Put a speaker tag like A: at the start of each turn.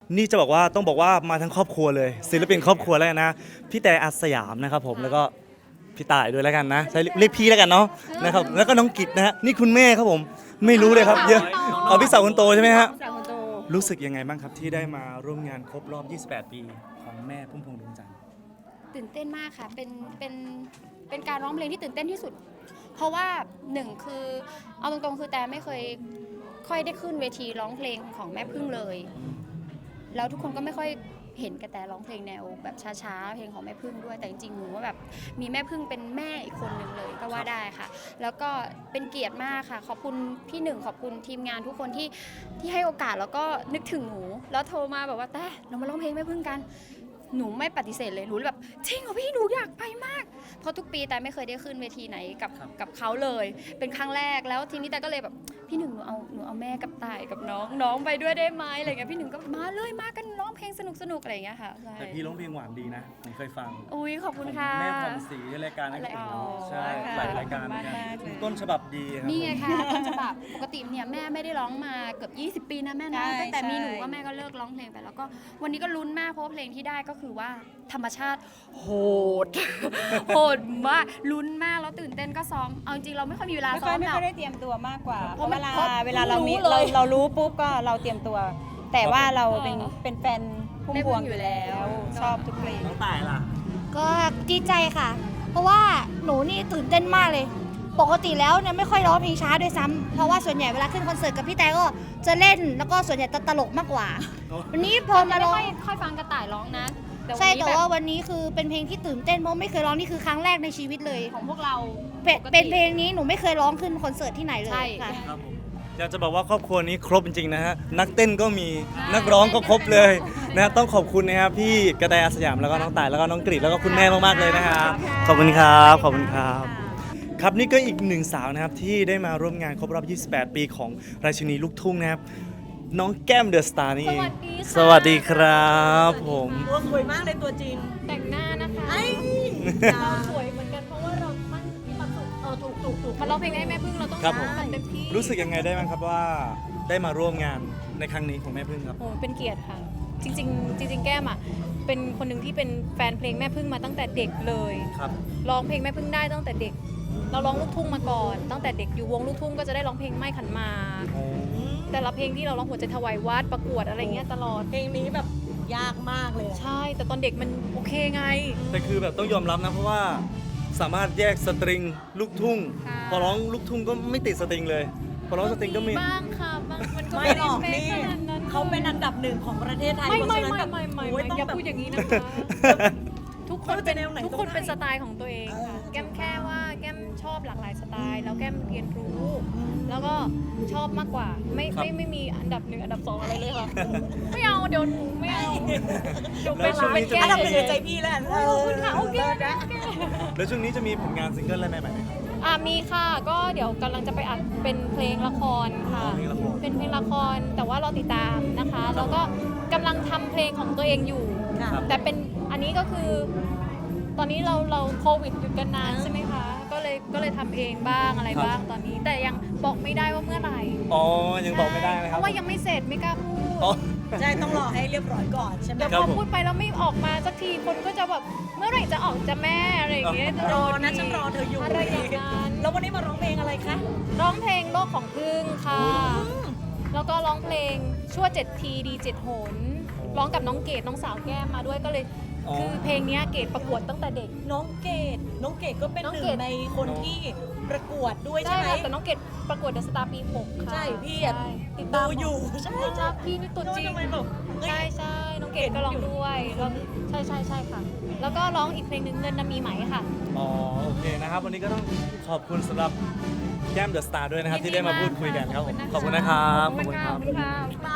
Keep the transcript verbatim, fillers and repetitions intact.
A: นี่จะบอกว่าต้องบอกว่ามาทั้งครอบครัวเลยศิลปินครอบครัวแล้วกันนะพี่แต่อาสยามนะครับผมแล้วก็พี่ต่ายด้วยแล้วกันนะใช้เรียกพี่แล้วกันเนาะนะครับแล้วก็น้องกิตนะฮะนี่คุณแม่ครับผมไม่รู้เลยครับเยอะเอาพี่สาวคนโตใช่ไหมฮะ
B: สาวคนโต
A: รู้สึกยังไงบ้างครับที่ได้มาร่วมงานครบรอบ ยี่สิบแปด ปีของแม่พุ่มพวงดวงจันทร์
C: ตื่นเต้นมากค่ะ เป็น เป็น เป็นการร้องเพลงที่ตื่นเต้นที่สุด เพราะว่าหนึ่งคือเอาตรงๆคือแต่ไม่เคยค่อยได้ขึ้นเวทีร้องเพลงของแม่พึ่งเลย แล้วทุกคนก็ไม่ค่อยเห็นกระแตร้องเพลงแนวแบบช้าๆ เพลงของแม่พึ่งด้วย แต่จริงๆหนูว่าแบบมีแม่พึ่งเป็นแม่อีกคนหนึ่งเลยก็ว่าได้ค่ะ แล้วก็เป็นเกียรติมากค่ะ ขอบคุณพี่หนึ่งขอบคุณทีมงานทุกคนที่ที่ให้โอกาสแล้วก็นึกถึงหนู แล้วโทรมาแบบว่าแต่เรามาร้องเพลงแม่พึ่งกัน หนูไม่ปฏิเสธเลยหนูแบบจริงเหรอพี่หนูอยากไปมากเพราะทุกปีแต่ไม่เคยได้ขึ้นเวทีไหนกับกับเขาเลย เป็นครั้งแรกแล้วทีนี้แต่ก็เลยแบบพี่หนึ่งหนูเอาหนูเอาแม่กับต่ายกับน้องน้องไปด้วยได้ไหมอะไรเงี้ยพี่หนึ่งก็มาเลยมากันร้องเพลงสนุกสนุกอะไรอย่างเงี้ยค่ะใช่
A: แต่พี่ร้องเพลงหวานดีนะผมเคยฟัง
C: อุ้ยขอบคุณค่ะ
A: แม่พรศรีรายการนักเอกเนาะใช่
B: ค่ะ
A: หลายรายการเหมือนกัน
B: ขอบคุณมากๆเลย
A: ต้นฉบับดีครับ
C: นี่ไงค่ะต้นฉบับปกติเนี่ยแม่ไม่ได้ร้องมาเกือบยี่สิบปีนะแม่นะ
B: ใช่
C: ตั้งแต่มีหนู
B: ใช่
C: ก็แม่ก็เลิกร้องเพลงไปแล้วก็วันนี้ก็ลุ้นมากเพราะว่าเพลงที่ได้ก็คือว่าธรรมชาติโหด โหดมากลุ้นมากแล้วตื่นเต้นก็ซ้อมเอาจริงๆเราไม่ค่อยมีเวลา
B: ไม่
C: ซ้
B: ค่
C: อ
B: อย
C: ม
B: ไม่
C: หร
B: ค่
C: อ
B: อก ยได้เตรียมตัวมากกว่า
C: เพ
B: เพ
C: ราะ
B: ราะ
C: มั
B: เวน ลา
C: เพราะ
B: เวลาเรามี
C: รู้เลย
B: เราเรารู้ปุ๊บก็เราเตรียมตัว แต่ว่าเราเป็น
C: เออ
B: เป็นแฟนพุ่มพวงอยู่แล้ว ชอบทุกเพลง
A: น้องต่ายล่ะ
D: ก็ดีใจค่ะ เพราะว่าหนูนี่ตื่นเต้นมากเลย ปกติแล้วเนี่ยไม่ค่อยร้องเพลงช้าด้วยซ้ำเพราะว่าส่วนใหญ่เวลาขึ้นคอนเสิร์ตกับพี่แต่ก็จะเล่นแล้วก็ส่วนใหญ่จะตลกมากกว่า
A: โอ้
D: วันนี้พอมา
C: ไม่
D: ร้อง
C: ค่อยค่อยฟังกระต่ายร้องนะแต่วัน
D: ใช่
C: นี้
D: แต่
C: แบบ
D: ว่าวันนี้คือเป็นเพลงที่ตื่นเต้นเพราะไม่เคยร้องนี่คือครั้งแรกในชีวิตเลย
C: ของพวกเรา
D: เป็น
C: ปกติ
D: เป็นเพลงนี้หนูไม่เคยร้องขึ้นคอนเสิร์ตที่ไหนเลย
C: ใช่
D: ค่ะ
A: ครับผมอยากจะบอกว่าครอบครัวนี้ครบจริงๆนะฮะนักเต้นก็มี
C: ใช่
A: นักร้องก็ครบเลยนะฮะต้องขอบคุณนะครับพี่กระแตอาสยามแล้วก็น้องต่ายแล้วก็น้องกรีดแล้วก็คุณแม่มากๆเลยนะครับขอบคุณครับขอบคุณครับ ครับนี่ก็อีกหนึ่งสาวนะครับที่ได้มาร่วมงานครบรอบ ยี่สิบแปด ปีของราชินีลูกทุ่งนะครับน้องแก้มเดอะสตาร์นี่เองสวัสดีครับผม
E: ตัวสวยมากเลยตัวจริง
C: แต่งหน้านะคะ
E: ไอ้
C: เราสวยเหมือนกันเพราะว่าเรามั่นมีความสุขเออถูกถูกถูกมาร้องเพลงให้แม่พึ่งเราต้อง
A: ครับผม
C: ทำเต็มที่
A: รู้สึกยังไงได้บ้างครับว่าได้มาร่วมงานในครั้งนี้ของแม่พึ่งครับ
F: โอ้เป็นเกียรติค่ะ จริงๆจริงๆแก้มอ่ะเป็นคนหนึ่งที่เป็นแฟนเพลงแม่พึ่งมาตั้งแต่เด็กเลย
A: ครับ
F: ร้องเพลงแม่พึ่งได้ตั้งแต่เด็ก เราร้องลูกทุ่งมาก่อน ตั้งแต่เด็กอยู่วงลูกทุ่งก็จะได้ร้องเพลงไม่ขันหมากแต่ละเพลงที่เราร้องหัวใจถวายวัดประกวดอะไรเงี้ยตลอด
E: เพลงนี้แบบยากมากเลยอะ
F: ใช่ แต่ตอนเด็กมันโอเคไง
A: แต่คือแบบต้องยอมรับนะเพราะว่าสามารถแยกสตริงลูกทุ่ง
F: ค่ะ
A: พอร้องลูกทุ่งก็ไม่ติดสตริงเลย พอร้องสตริงก็มี
F: บ้างค่ะบางมันก็
E: ไม่
F: ไม่
E: หร
F: ได้
E: อก
F: เป๊ะ
E: นี่
F: ขนาดนั้น
E: เขาเป็นอันดับหนึ่งของประเทศไทย
F: ไม่
E: เพราะ
F: ไม่
E: ฉะนั้น
F: ไม่
E: แบบ
F: ไม่ไม่
E: โอ้ยต้อง
F: อย่า
E: แบบ
F: พูดอย่างนี้นะคะ ทุกคนเป็น
E: เขาจะแนวไหน
F: ทุกคน
E: ก็ได้
F: เป็นสไตล์ของตัวเองค่ะ แก้มแค่ว่าแก้มชอบหลากหลายสไตล์ แล้วแก้มเรียนรู้ แล้วก็ชอบมากกว่า ไม่
A: ครับ
F: ไม่ไม่มีอันดับหนึ่งอันดับสองอะไรเลยค่ะ ไม่เอาเดี๋ยวหนูไม่เอาเดี๋ยว
A: แล้
F: เป็
A: วน ช่วง
F: เป็
A: นี้
F: น
A: จะ
F: แก้
E: อันดับ
F: ม
E: หนึ่งในใจพี่แล้ว
F: ขอบคุณค่ะโอเคโอเค
A: แล้วช่วงนี้จะมีผลงานซิงเกิลอะไรใหม่ๆไหมครับ
F: อ่ะมีค่ะก็เดี๋ยวกำลังจะไปอัดเป็นเพลงละครค่ะ
A: เพลงละคร
F: เป็นเพลงละครแต่ว่าเราติดตามนะคะ แล้วก็กำลังทำเพลงของตัวเองอยู่
A: ครับ
F: แต่เป็นอันนี้ก็คือ ตอนนี้เราเราโควิดหยุดกันนานใช่ไหมคะ ก็เลยก็เลยทำเองบ้างอะไรบ้างตอนนี้ แต่ยังบอกไม่ได้ว่าเมื่อไหร่
A: อ๋อยังบอกไม่ได้นะค
F: เพ
A: รับ
F: ราะว่ายังไม่เสร็จไม่กล้าพูด
A: อ๋อ
E: ใช่ต้องรอให้เรียบร้อยก่อนใช่ไหม
F: เดี๋ยว
A: ครั
F: พ
A: บ
F: อ
A: ผม
F: พูดไปแล้วไม่ออกมาสักทีคนก็จะแบบเมื่อไหร่จะออกจะแม่อะไรอย่างเงี้ยจะ
E: ร
F: โด
E: อน นะฉันรอเธออยู่
F: อะไรอย่างนั้น
E: แล้ววันนี้มาร้องเพลงอะไรคะ
F: ร้องเพลงโลกของพึ่งค่ะ แล้วก็ร้องเพลงชั่วเจ็ดทีดีเจ็ดโหนร้องกับน้องเกดน้องสาวแก้มมาด้วยก็เลย
A: อ๋อ
F: คือเพลงเนี้ยเกดประกวดตั้งแต่เด็ก
E: น้องเกดน้องเกดก็เป็น
F: น้อง
E: หนึ่
F: เก
E: ง
F: ด
E: ในคนที่ประกวดด้วยใช่ไหม
F: ค่ะแต่น้องเกดประกวดเดอะสตาร์ปีหกค่ะ
E: ใช่พี่อะ
F: ใช่ติด
E: ดู
F: ตาม
E: อยู่ใช่
F: ใช่
E: ใช่
F: พี่นี่ตัวจริง
E: ทำไมแบบเฮ้ย
F: ใช่ใช่น้องเกดก็ร้องด้วยแล้วใช่ใช่ใช่ค่ะ แล้วก็ร้องอีกเพลงหนึ่งเงินน่ะมีไหมค่ะ
A: อ๋อโอเคนะครับ วันนี้ก็ต้องขอบคุณสำหรับแก้มเดอะสตาร์ด้วยนะครับ ที่ได้มาพูดคุยกันครับผมขอบคุณนะครับ
F: ขอบคุณค่ะ